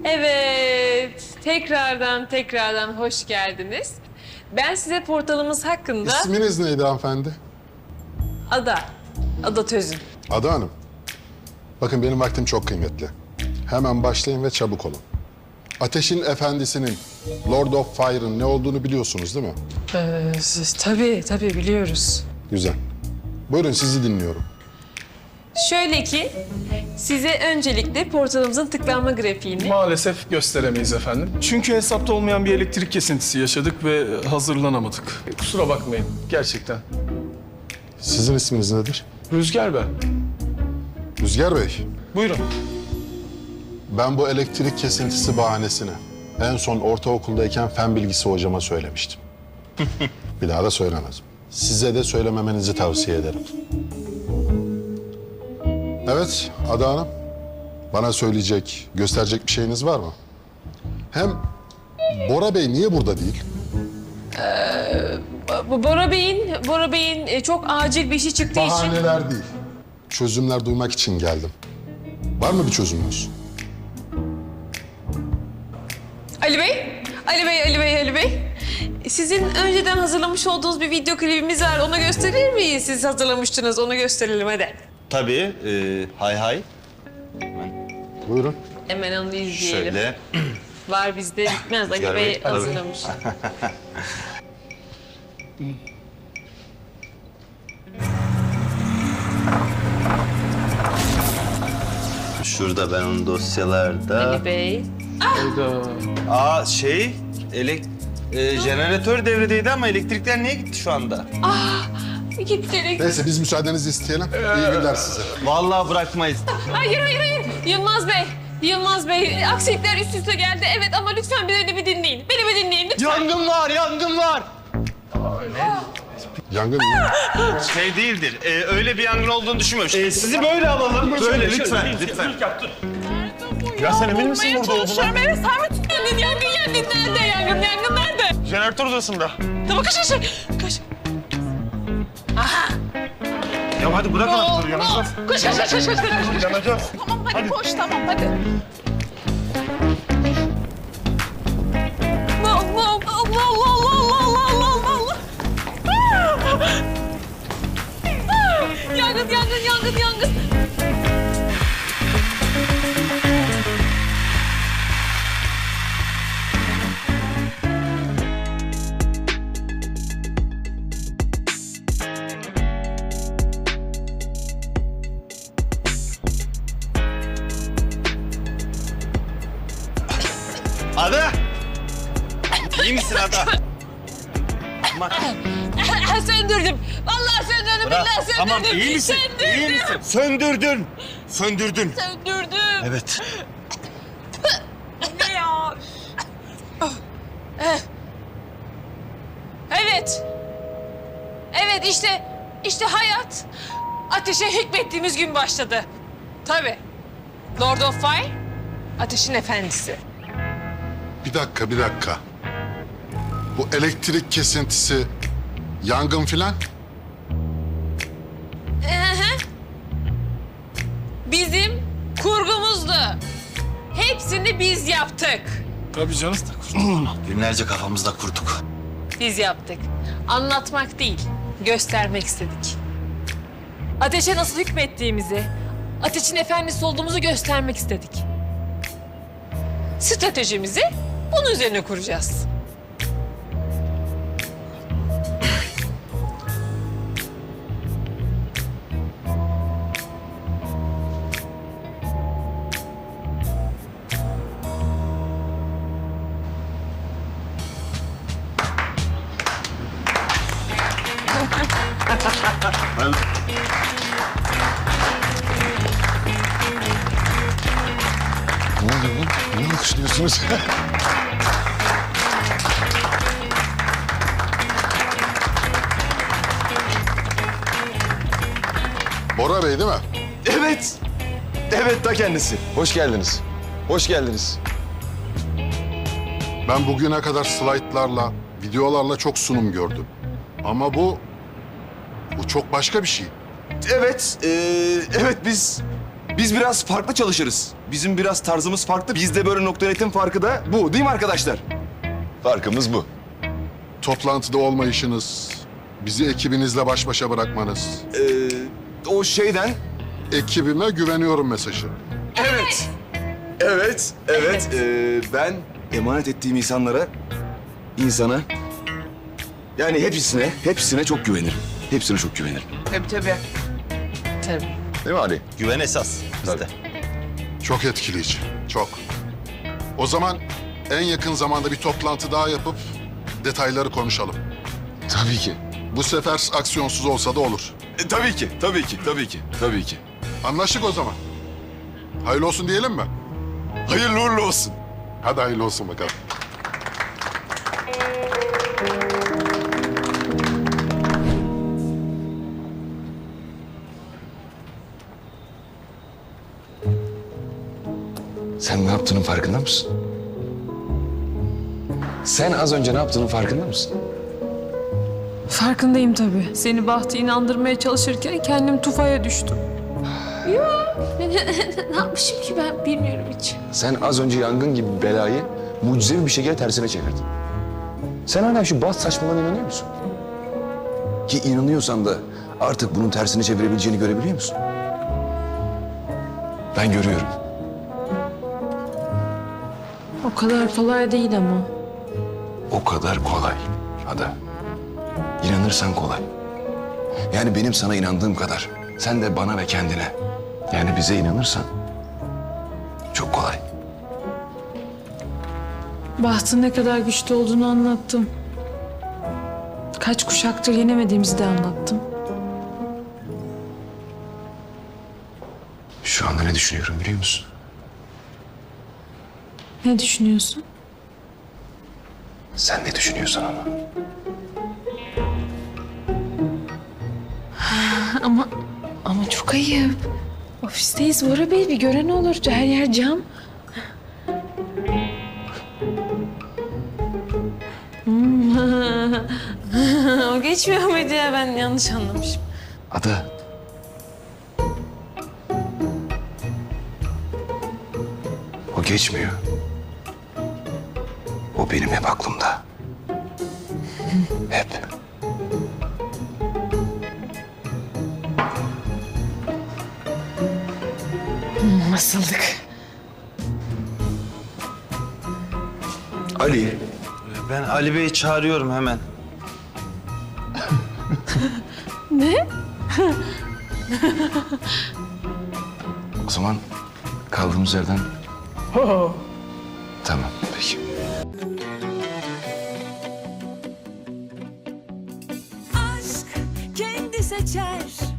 Evet, tekrardan hoş geldiniz. Ben size portalımız hakkında... İsminiz neydi hanımefendi? Ada Tözün. Ada Hanım. Bakın benim vaktim çok kıymetli. Hemen başlayın ve çabuk olun. Ateşin Efendisi'nin, Lord of Fire'ın ne olduğunu biliyorsunuz değil mi? Tabii biliyoruz. Güzel. Buyurun sizi dinliyorum. Şöyle ki, size öncelikle portalımızın tıklanma grafiğini... Maalesef gösteremeyiz efendim. Çünkü hesapta olmayan bir elektrik kesintisi yaşadık ve hazırlanamadık. Kusura bakmayın gerçekten. Sizin isminiz nedir? Rüzgar ben. Rüzgar Bey. Buyurun. Ben bu elektrik kesintisi bahanesini en son ortaokuldayken fen bilgisi hocama söylemiştim. Bir daha da söylemez. Size de söylememenizi tavsiye ederim. Evet Ada Hanım. Bana söyleyecek, gösterecek bir şeyiniz var mı? Hem Bora Bey niye burada değil? Bora Bey'in çok acil bir işi çıktığı için... Bahaneler değil. Çözümler duymak için geldim. Var mı bir çözümünüz? Ali Bey. Sizin önceden hazırlamış olduğunuz bir video klibimiz var. Onu gösterir miyiz? Siz hazırlamıştınız. Onu gösterelim hadi. Tabii. Hay. Buyurun. Hemen onu izleyelim. Şöyle. Var bizde bitmez. Ali Rüzgar Bey Bey, tabii. hazırlamış. Şurada ben onun dosyalarda. Ali Bey. Hayda. Jeneratör devredeydi ama elektrikler niye gitti şu anda? Gitti. Neyse biz müsaadenizi isteyelim. İyi günler size. Vallahi bırakmayız. Hayır. Yılmaz Bey, aksilikler üst üste geldi. Evet ama lütfen beni bir dinleyin. Beni bir dinleyin lütfen. Yangın var. Yangın mı? Şey değildir. Öyle bir yangın olduğunu düşünmüyorum. Sizi böyle alalım. Böyle lütfen. Ya sen emin misin burada olduğuna? Çalışıyorum, evet. Sen mi tutuyorsun? Yangın nerede? Yangın nerede? Jeneratör odasında. Tamam, kaç. Ya hadi bırak anahtarı yanacağız. Koş. Yanacağız. Tamam hadi koş, tamam hadi. Allah. Yangın. Ada! İyi misin Ada? Söndürdüm. Vallahi söndürdüm. Bırak. Billahi söndürdüm. Tamam iyi misin? İyi misin? Söndürdün. Söndürdüm. Evet. Ne ya? Evet işte hayat ateşe hükmettiğimiz gün başladı. Tabii. Lord of Fire, ateşin efendisi. Bir dakika. Bu elektrik kesintisi, yangın filan. Bizim kurgumuzdu. Hepsini biz yaptık. Tabii canım. Günlerce kafamızda kurduk. Biz yaptık. Anlatmak değil, göstermek istedik. Ateşe nasıl hükmettiğimizi, ateşin efendisi olduğumuzu göstermek istedik. Stratejimizi bunun üzerine kuracağız. Ne oluyor lan? Niye alkışlıyorsunuz? Bora Bey değil mi? Evet. Evet ta kendisi. Hoş geldiniz. Hoş geldiniz. Ben bugüne kadar slaytlarla, videolarla çok sunum gördüm. Ama bu çok başka bir şey. Evet. Evet biz Biz biraz farklı çalışırız. Bizim biraz tarzımız farklı. Bizde böyle .NET'in farkı da bu değil mi arkadaşlar? Farkımız bu. Toplantıda olmayışınız, bizi ekibinizle baş başa bırakmanız, O şeyden... ekibime güveniyorum mesajı. Evet. Evet. Ben emanet ettiğim insana... Yani hepsine çok güvenirim. Hepsine çok güvenirim. Tabii. Değil mi Ali? Güven esas bizde. Çok etkileyici, çok. O zaman en yakın zamanda bir toplantı daha yapıp detayları konuşalım. Tabii ki. Bu sefer aksiyonsuz olsa da olur. Tabii ki. Anlaştık o zaman. Hayırlı olsun diyelim mi? Hayırlı uğurlu olsun. Hadi hayırlı olsun bakalım. Sen ne yaptığının farkında mısın? Sen az önce ne yaptığının farkında mısın? Farkındayım tabii. Seni Bahtı inandırmaya çalışırken kendim tufaya düştüm. Yok. Ne yapmışım ki ben bilmiyorum hiç. Sen az önce yangın gibi bir belayı mucizevi bir şekilde tersine çevirdin. Sen hala şu baz saçmalığına inanıyor musun? Ki inanıyorsan da artık bunun tersini çevirebileceğini görebiliyor musun? Ben görüyorum. O kadar kolay değil ama. O kadar kolay Ada. İnanırsan kolay. Yani benim sana inandığım kadar sen de bana ve kendine, yani bize inanırsan çok kolay. Bahtın ne kadar güçlü olduğunu anlattım. Kaç kuşaktır yenemediğimizi de anlattım. Şu anda ne düşünüyorum biliyor musun? Ne düşünüyorsun? Sen ne düşünüyorsun ama? Ama çok ayıp. Ofisteyiz Bora Bey, bir gören olur. Her yer cam. O geçmiyor muydu ya? Ben yanlış anlamışım. Ada. O geçmiyor. O benim hep aklımda. Hep. Nasıldık? Ali. Ben Ali Bey'i çağırıyorum hemen. O zaman kaldığımız yerden... Tamam, peki. Aşk kendi seçer